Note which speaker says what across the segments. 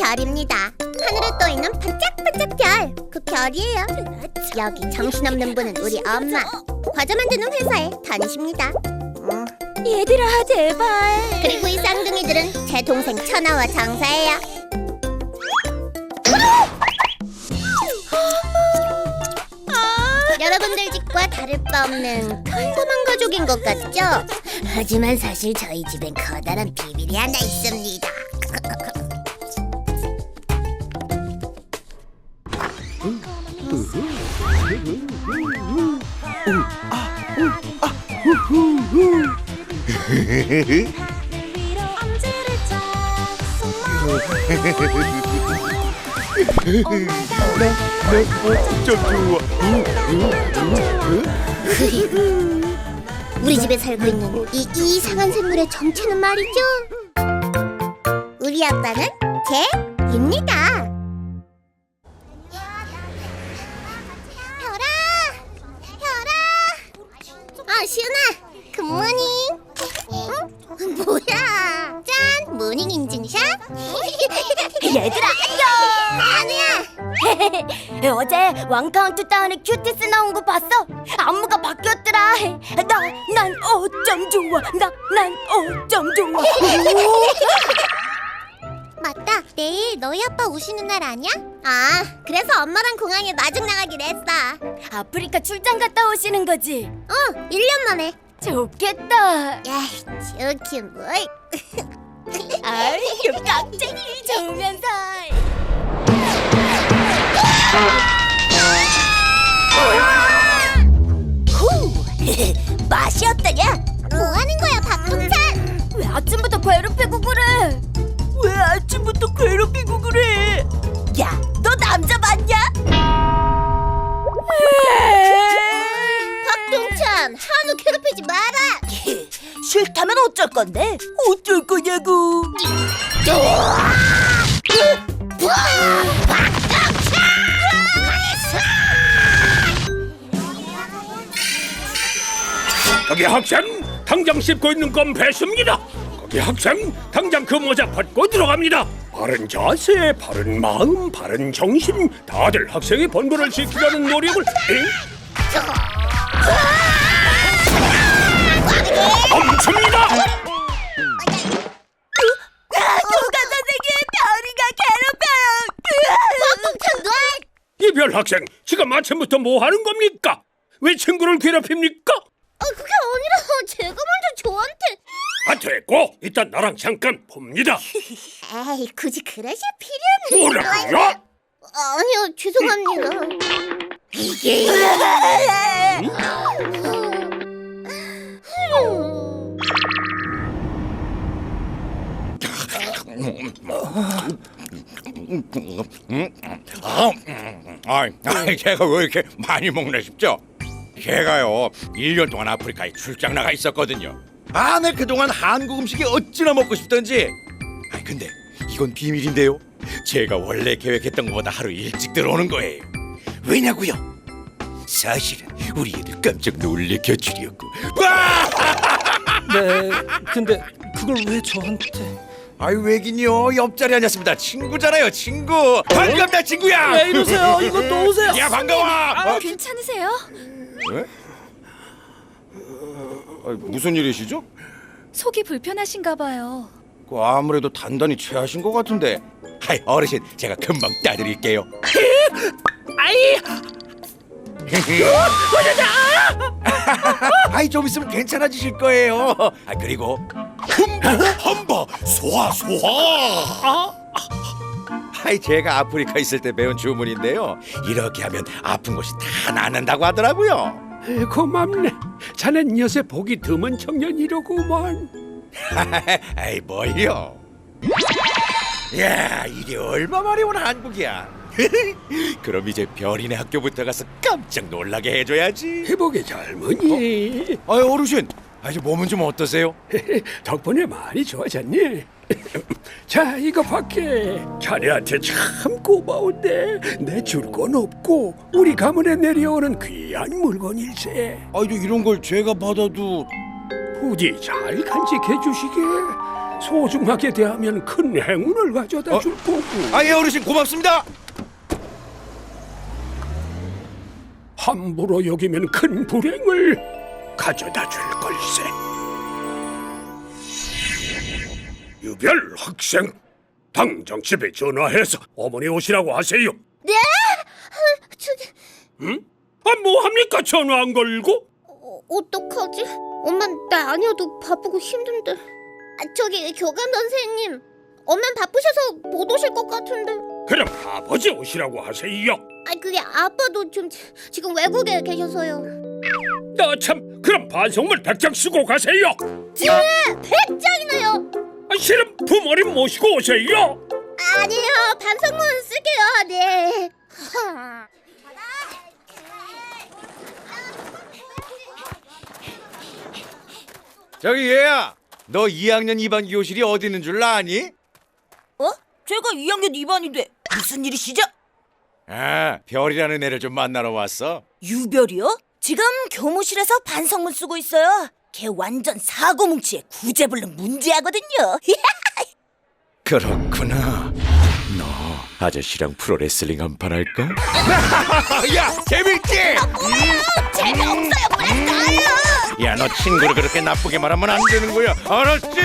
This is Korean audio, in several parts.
Speaker 1: 별입니다. 하늘에 떠있는 반짝반짝 별, 그 별이에요. 여기 정신없는 분은 우리 엄마. 과자 만드는 회사에 다니십니다.
Speaker 2: 얘들아, 제발.
Speaker 1: 그리고 이 쌍둥이들은 제 동생 천하와 장사예요. 여러분들 집과 다를 바 없는 평범한 가족인 것 같죠? 하지만 사실 저희 집엔 커다란 비밀이 하나 있습니다. 우리 집에 살고 있는 이 이상한 생물의 정체는 말이죠. 우리 아빠는 개입니다. 별아, 별아. 시은아, 굿모닝. 뭐야? 짠, 모닝 인증샷.
Speaker 2: 얘들아, 안녕.
Speaker 1: 아니야.
Speaker 2: 어제 왕카운트다운에 큐티스 나온 거 봤어? 안무가 바뀌었더라. 난 어쩜 좋아. 난 어쩜 좋아.
Speaker 1: 맞다. 내일 너희 아빠 오시는 날 아니야? 아, 그래서 엄마랑 공항에 마중 나가기로 했어.
Speaker 2: 아프리카 출장 갔다 오시는 거지?
Speaker 1: 1년 만에.
Speaker 2: 좋겠다.
Speaker 1: 야, 좋긴 뭘.
Speaker 2: 아이, 깍쟁이 좋으면서. 맛이 어떠냐?
Speaker 1: 뭐 하는 거야, 박동찬?
Speaker 2: 왜 아침부터 괴롭히고 그래? 왜 아침부터 괴롭히고 그래? 야, 너 남자 맞냐?
Speaker 1: 박동찬, 한우 괴롭히지 마라.
Speaker 2: 싫다면 어쩔 건데? 어쩔 거냐고.
Speaker 3: 거기 학생, 당장 씹고 있는 건 배수입니다. 거기 학생, 당장 그 모자 벗고 들어갑니다. 바른 자세, 바른 마음, 바른 정신, 다들 학생의 본분을 지키려는 노력을 멈춥니다.
Speaker 2: 교감 선생님, 별이가 괴롭혀요.
Speaker 1: 박동찬, 너!
Speaker 3: 이별 학생, 지금 아침부터 뭐 하는 겁니까? 왜 친구를 괴롭힙니까?
Speaker 1: 그게 아니라 제가 먼저 저한테.
Speaker 3: 됐고, 일단 나랑 잠깐 봅니다.
Speaker 1: 에이, 굳이 그러실 필요는.
Speaker 3: 뭐라고요?
Speaker 1: 아니요, 죄송합니다. 이게.
Speaker 4: 제가 왜 이렇게 많이 먹나 싶죠? 제가요 1년 동안 아프리카에 출장 나가 있었거든요. 네 그동안 한국 음식이 어찌나 먹고 싶던지. 근데 이건 비밀인데요. 제가 원래 계획했던 것보다 하루 일찍 들어오는 거예요. 왜냐고요? 사실은 우리 애들 깜짝 놀래켜 주려고.
Speaker 5: 네, 근데 그걸 왜 저한테?
Speaker 4: 왜긴요? 옆자리 앉았습니다. 친구잖아요, 친구. 반갑다, 친구야.
Speaker 5: 왜 이러세요? 이거 또 오세요.
Speaker 4: 야, 반가워.
Speaker 2: 괜찮으세요?
Speaker 4: 네? 무슨 일이시죠?
Speaker 2: 속이 불편하신가 봐요.
Speaker 4: 아무래도 단단히 체하신 것 같은데. 어르신, 제가 금방 따드릴게요. 좀 있으면 괜찮아지실 거예요. 그리고 험바 소화. 제가 아프리카 있을 때 배운 주문인데요. 이렇게 하면 아픈 곳이 다 낫는다고 하더라고요.
Speaker 3: 고맙네. 자넨 요새 복이 드문 청년이로구만.
Speaker 4: 뭘요? 야, 이게 얼마만에 온 한국이야. 그럼 이제 별이네 학교부터 가서 깜짝 놀라게 해줘야지.
Speaker 3: 회복의 젊은이.
Speaker 4: 어르신, 이제 몸은 좀 어떠세요?
Speaker 3: 덕분에 많이 좋아졌니? 자, 이거 밖에 자네한테 참 고마운데 내 줄 건 없고 우리 가문에 내려오는 귀한 물건일세.
Speaker 4: 이런 걸 제가 받아도.
Speaker 3: 부디 잘 간직해 주시게. 소중하게 대하면 큰 행운을 가져다 줄 거고.
Speaker 4: 예, 어르신 고맙습니다.
Speaker 3: 함부로 여기면 큰 불행을 가져다 줄 걸세. 유별 학생, 당장 집에 전화해서 어머니 오시라고 하세요.
Speaker 1: 네? 저기
Speaker 3: 응? 뭐 합니까? 전화 안 걸고?
Speaker 1: 어떡하지? 엄마 나 아니어도 바쁘고 힘든데. 저기 교감 선생님, 엄만 바쁘셔서 못 오실 것 같은데.
Speaker 3: 그럼 아버지 오시라고 하세요.
Speaker 1: 그게 아빠도 좀 지금 외국에 계셔서요.
Speaker 3: 나 참, 그럼 반성문 100장 쓰고 가세요.
Speaker 1: 네, 100장이나요?
Speaker 3: 실은 부모님 모시고 오세요.
Speaker 1: 아니에요, 반성문 쓸게요. 네.
Speaker 4: 저기 얘야, 너 2학년 2반 교실이 어디 있는 줄 아니?
Speaker 2: 어? 제가 2학년 2반인데 무슨 일이시죠?
Speaker 4: 별이라는 애를 좀 만나러 왔어.
Speaker 2: 유별이요? 지금 교무실에서 반성문 쓰고 있어요. 걔 완전 사고뭉치에 구제불능 문제하거든요.
Speaker 4: 그렇구나. 너 아저씨랑 프로레슬링 한판 할까? 야, 재밌지?
Speaker 2: 재미없어요, 그랬어요.
Speaker 4: 야, 너 친구를 그렇게 나쁘게 말하면 안 되는 거야. 알았지?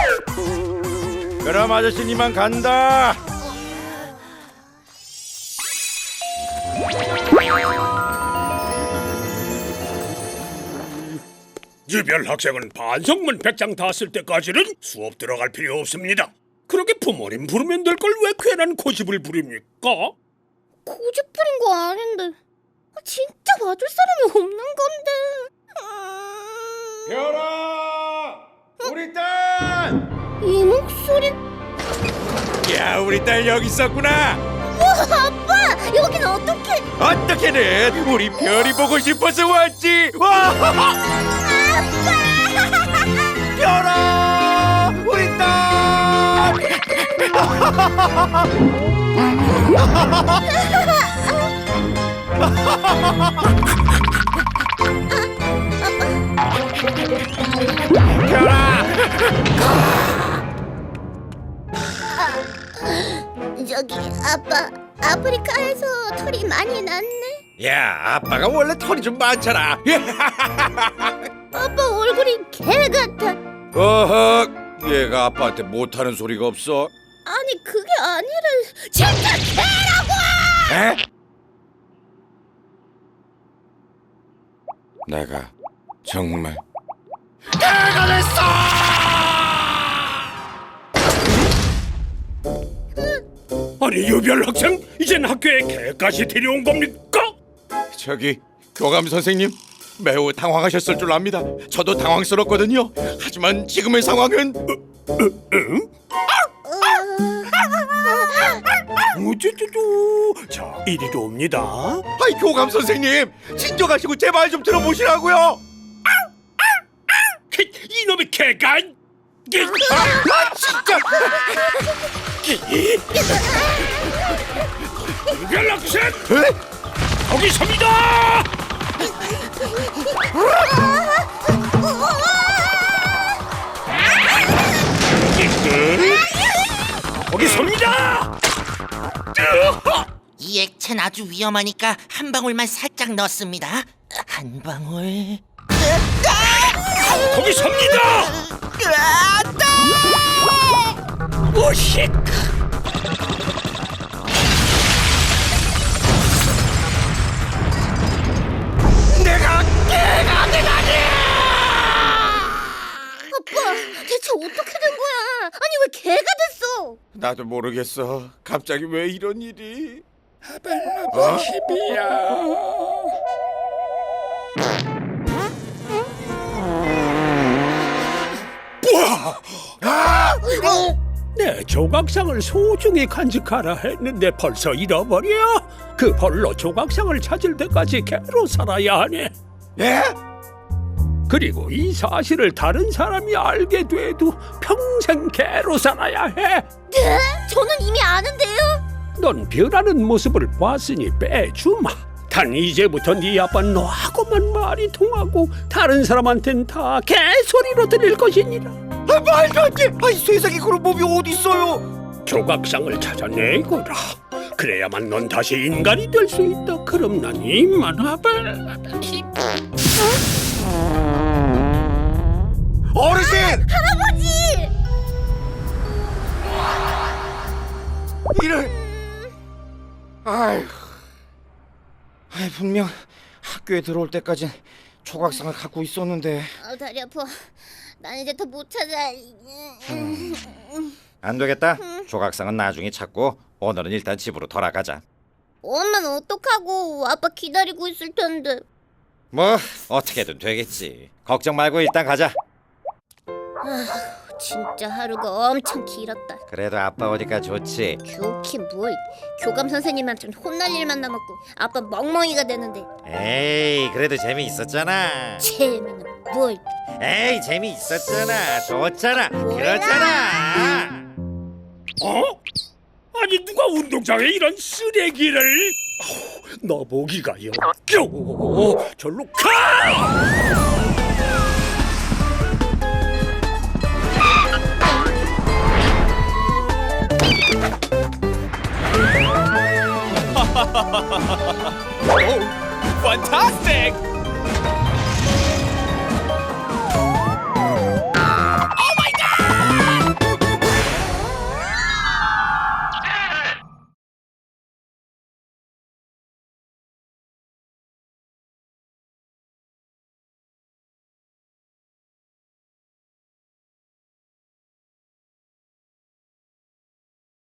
Speaker 4: 그럼 아저씨 이만 간다.
Speaker 3: 유별 학생은 반성문 100장 다 쓸 때까지는 수업 들어갈 필요 없습니다. 그렇게 부모님 부르면 될 걸 왜 괜한 고집을 부립니까?
Speaker 1: 고집 부린 거 아닌데. 진짜 봐줄 사람이 없는 건데.
Speaker 4: 별아, 우리 딸.
Speaker 1: 이 목소리.
Speaker 4: 야, 우리 딸 여기 있었구나.
Speaker 1: 우와, 아빠, 여긴 어떻게?
Speaker 4: 어떻게든 우리 별이 보고 싶어서 왔지. 와. 별아, 우리 딸.
Speaker 1: 저기 아빠, 아프리카에서 털이 많이 났네.
Speaker 4: 야, 아빠가 원래 털이 좀 많잖아.
Speaker 1: 아빠 얼굴이 개 같아.
Speaker 4: 어허, 얘가 아빠한테 못하는 소리가 없어.
Speaker 1: 아니 그게 아니라 진짜 개라고!
Speaker 4: 에? 내가 정말 개가 됐어!
Speaker 3: 아니 유별 학생, 이젠 학교에 개까지 데려온 겁니까?
Speaker 4: 저기 교감 선생님, 매우 당황하셨을 줄 압니다. 저도 당황스럽거든요. 하지만 지금의 상황은
Speaker 3: 우쭈쭈쭈. 자, 이리로 옵니다.
Speaker 4: 아이, 교감 선생님, 진정하시고 제 말 좀 들어보시라고요.
Speaker 3: 이놈의 개가!
Speaker 4: 진짜.
Speaker 3: 유별 학생,
Speaker 4: 에?
Speaker 3: 거기 섭니다! 거기 섭니다!
Speaker 6: 이 액체는 아주 위험하니까 한 방울만 살짝 넣습니다. 한 방울.
Speaker 3: 거기 섭니다! 오식!
Speaker 4: 내가 개가 되다니!
Speaker 1: 아빠, 대체 어떻게 된 거야? 아니 왜 개가 됐어?
Speaker 4: 나도 모르겠어. 갑자기 왜 이런 일이?
Speaker 3: 내 조각상을 소중히 간직하라 했는데 벌써 잃어버려? 그 벌로 조각상을 찾을 때까지 개로 살아야 하네.
Speaker 4: 예?
Speaker 3: 그리고 이 사실을 다른 사람이 알게 돼도 평생 개로 살아야 해.
Speaker 1: 네? 저는 이미 아는데요.
Speaker 3: 넌 변하는 모습을 봤으니 빼주마. 단 이제부터 네 아빠는 너하고만 말이 통하고 다른 사람한텐 다 개소리로 들릴 것이니라.
Speaker 4: 말도 안 돼! 이 세상에 그런 법이 어디 있어요?
Speaker 3: 조각상을 찾아내거라. 그래야만 넌 다시 인간이 될 수 있다. 그럼 난 이만하다.
Speaker 4: 어르신!
Speaker 1: 할아버지!
Speaker 4: 이를 아휴, 분명 학교에 들어올 때까진 조각상을 갖고 있었는데.
Speaker 1: 다리 아파. 난 이제 더 못 찾아.
Speaker 4: 안 되겠다. 조각상은 나중에 찾고 오늘은 일단 집으로 돌아가자.
Speaker 1: 엄마는 어떡하고? 아빠 기다리고 있을 텐데.
Speaker 4: 뭐 어떻게든 되겠지. 걱정 말고 일단 가자.
Speaker 1: 진짜 하루가 엄청 길었다.
Speaker 4: 그래도 아빠 오니까 좋지.
Speaker 1: 좋긴 뭘. 교감 선생님한테 혼날 일만 남았고 아빠 멍멍이가 되는데.
Speaker 4: 에이, 그래도 재미있었잖아.
Speaker 1: 재미는 뭘.
Speaker 4: 에이, 재미있었잖아. 좋잖아.
Speaker 1: 뭐야?
Speaker 4: 그렇잖아.
Speaker 3: 어? 아니 누가 운동장에 이런 쓰레기를? 너 보기가 역겨워. 절로 가!
Speaker 5: Fantastic!